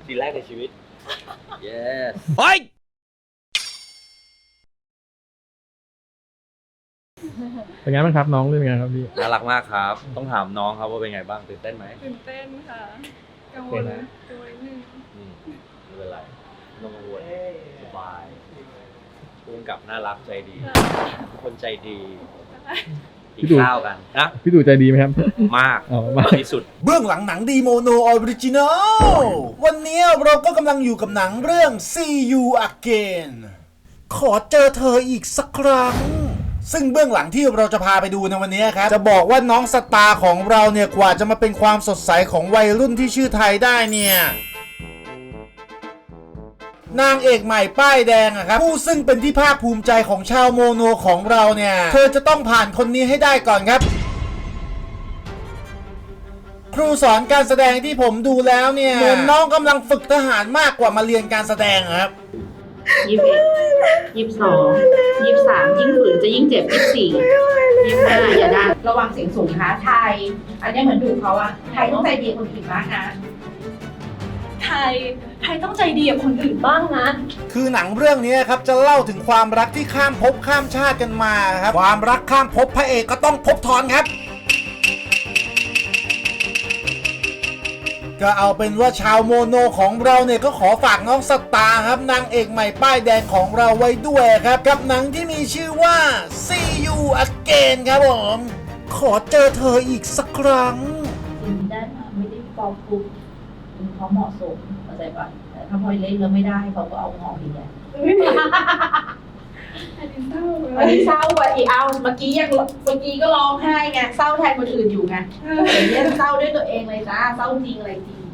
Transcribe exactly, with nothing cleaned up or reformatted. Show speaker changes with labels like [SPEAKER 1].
[SPEAKER 1] ซีนแรกในชีวิต yes
[SPEAKER 2] เฮ้ยเป็นไงบ้างครับน้องเรื่องไงครับพี่
[SPEAKER 1] น่ารักมากครับต้องถามน้องครับว่าเป็นไงบ้างตื่นเต้นไหม
[SPEAKER 3] ตื่นเต้นค่ะกังวลกังวลนิดนึง
[SPEAKER 1] อืมไม่เป็นไรไม่ต้องกังวลสบายร่วมกับน่ารักใจดีทุกคนใจดีกินข้าวกันนะ
[SPEAKER 2] พี่ตู่ใจดีไหมครับ
[SPEAKER 1] มาก
[SPEAKER 2] อ๋อมาก
[SPEAKER 1] ที่สุด
[SPEAKER 4] เบื้องหลังหนังดีโมโนออริจินอลวันนี้เราก็กำลังอยู่กับหนังเรื่อง See You Again ขอเจอเธออีกสักครั้งซึ่งเบื้องหลังที่เราจะพาไปดูในวันนี้ครับจะบอกว่าน้องสตาร์ของเราเนี่ยกว่าจะมาเป็นความสดใสของวัยรุ่นที่ชื่อไทยได้เนี่ยนางเอกใหม่ป้ายแดงอะครับผู้ซึ่งเป็นที่ภาคภูมิใจของชาวโมโนของเราเนี่ยเธอจะต้องผ่านคนนี้ให้ได้ก่อนครับครูสอนการแสดงที่ผมดูแล้วเนี่ยเหมือนน้องกำลังฝึกทหารมากกว่ามาเรียนการแสดงครับ
[SPEAKER 5] ยี่สิบเอ็ดยี่สิบสองยี่สิบสามยิ่งฝืนจะยิ่งเจ็บยี่สิบสี่ยี่สิบห้าอย่าดันระวังเสียงสูงนะคะไทยอันนี้เหมือนดูเขาอะไทยต้องใจดีคนอื่นบ้างนะ
[SPEAKER 3] ไทยไทยต้องใจดีกับคนอื่นบ้างนะ
[SPEAKER 4] คือหนังเรื่องนี้ครับจะเล่าถึงความรักที่ข้ามภพข้ามชาติกันมาครับความรักข้ามภพพระเอกก็ต้องภพทอนครับก็เอาเป็นว่าชาวโมโนของเราเนี่ยก็ขอฝากน้องสตาร์ครับนางเอกใหม่ป้ายแดงของเราไว้ด้วยครับกับหนังที่มีชื่อว่า See You Again ครับผมขอเจอเธออีกสักครั้ง
[SPEAKER 5] สิ่งได้มาไม่ได้ฟอร์มปุ๊บเขาเหมาะสมเข้าใจปะแต่ถ้าพอเล่นแล้วไม่ได้เขาก็เอางออีกแหละ
[SPEAKER 3] อันนี้เศร้าเลย
[SPEAKER 5] อันนี้เศร้ากว่าอีกเอาเมื่อกี้ยังเมื่อกี้ก็ร้องไห้ไงเศร้าแทนคนอื่นอยู่ไงเดี๋ยวนี้เศร้าด้วยตัวเองเลยจ้าเศร้าจริงอะไรจริง